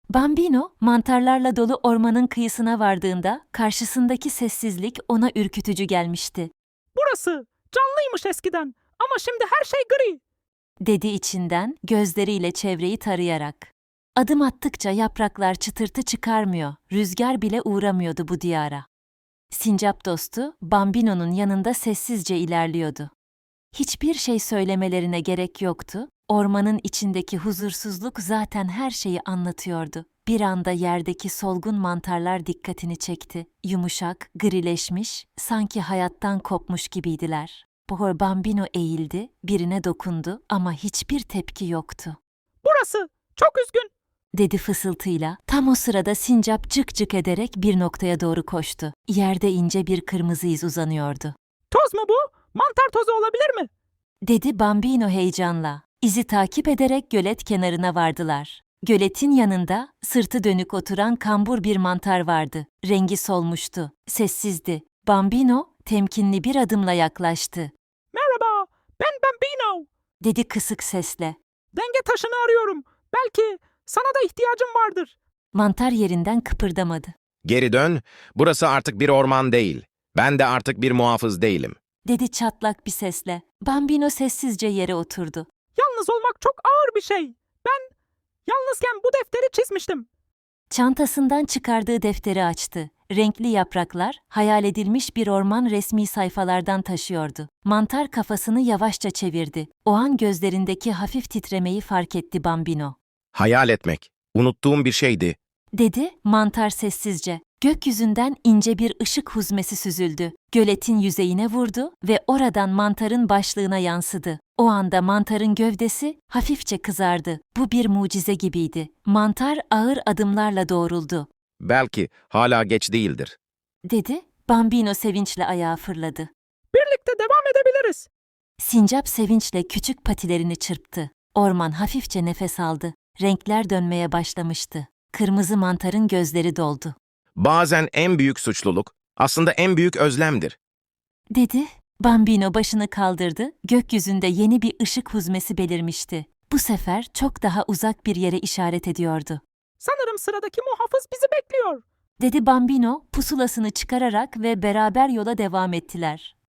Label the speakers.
Speaker 1: Bambino, mantarlarla dolu ormanın kıyısına vardığında karşısındaki sessizlik ona ürkütücü gelmişti.
Speaker 2: Burası canlıymış eskiden ama şimdi her şey gri.
Speaker 1: Dedi içinden, gözleriyle çevreyi tarayarak. Adım attıkça yapraklar çıtırtı çıkarmıyor, rüzgar bile uğramıyordu bu diyara. Sincap dostu, Bambino'nun yanında sessizce ilerliyordu. Hiçbir şey söylemelerine gerek yoktu, ormanın içindeki huzursuzluk zaten her şeyi anlatıyordu. Bir anda yerdeki solgun mantarlar dikkatini çekti. Yumuşak, grileşmiş, sanki hayattan kopmuş gibiydiler. Bambino eğildi, birine dokundu ama hiçbir tepki yoktu.
Speaker 2: Burası çok üzgün.
Speaker 1: Dedi fısıltıyla. Tam o sırada sincap cık cık ederek bir noktaya doğru koştu. Yerde ince bir kırmızı iz uzanıyordu.
Speaker 2: Toz mu bu? Mantar tozu olabilir mi?
Speaker 1: Dedi Bambino heyecanla. İzi takip ederek gölet kenarına vardılar. Göletin yanında sırtı dönük oturan kambur bir mantar vardı. Rengi solmuştu. Sessizdi. Bambino temkinli bir adımla yaklaştı.
Speaker 2: Merhaba, ben Bambino.
Speaker 1: Dedi kısık sesle.
Speaker 2: Denge taşını arıyorum. Belki sana da ihtiyacım vardır.
Speaker 1: Mantar yerinden kıpırdamadı.
Speaker 3: Geri dön, burası artık bir orman değil. Ben de artık bir muhafız değilim.
Speaker 1: Dedi çatlak bir sesle. Bambino sessizce yere oturdu.
Speaker 2: Yalnız olmak çok ağır bir şey. Ben yalnızken bu defteri çizmiştim.
Speaker 1: Çantasından çıkardığı defteri açtı. Renkli yapraklar, hayal edilmiş bir orman resmi sayfalardan taşıyordu. Mantar kafasını yavaşça çevirdi. O an gözlerindeki hafif titremeyi fark etti Bambino.
Speaker 3: Hayal etmek, unuttuğum bir şeydi.
Speaker 1: Dedi, mantar sessizce. Gökyüzünden ince bir ışık huzmesi süzüldü. Göletin yüzeyine vurdu ve oradan mantarın başlığına yansıdı. O anda mantarın gövdesi hafifçe kızardı. Bu bir mucize gibiydi. Mantar ağır adımlarla doğruldu.
Speaker 3: Belki hala geç değildir.
Speaker 1: Dedi, Bambino sevinçle ayağa fırladı.
Speaker 2: Birlikte devam edebiliriz.
Speaker 1: Sincap sevinçle küçük patilerini çırptı. Orman hafifçe nefes aldı. Renkler dönmeye başlamıştı. Kırmızı mantarın gözleri doldu.
Speaker 3: Bazen en büyük suçluluk aslında en büyük özlemdir.
Speaker 1: Dedi. Bambino başını kaldırdı. Gökyüzünde yeni bir ışık huzmesi belirmişti. Bu sefer çok daha uzak bir yere işaret ediyordu.
Speaker 2: Sanırım sıradaki muhafız bizi bekliyor.
Speaker 1: Dedi Bambino, pusulasını çıkararak ve beraber yola devam ettiler.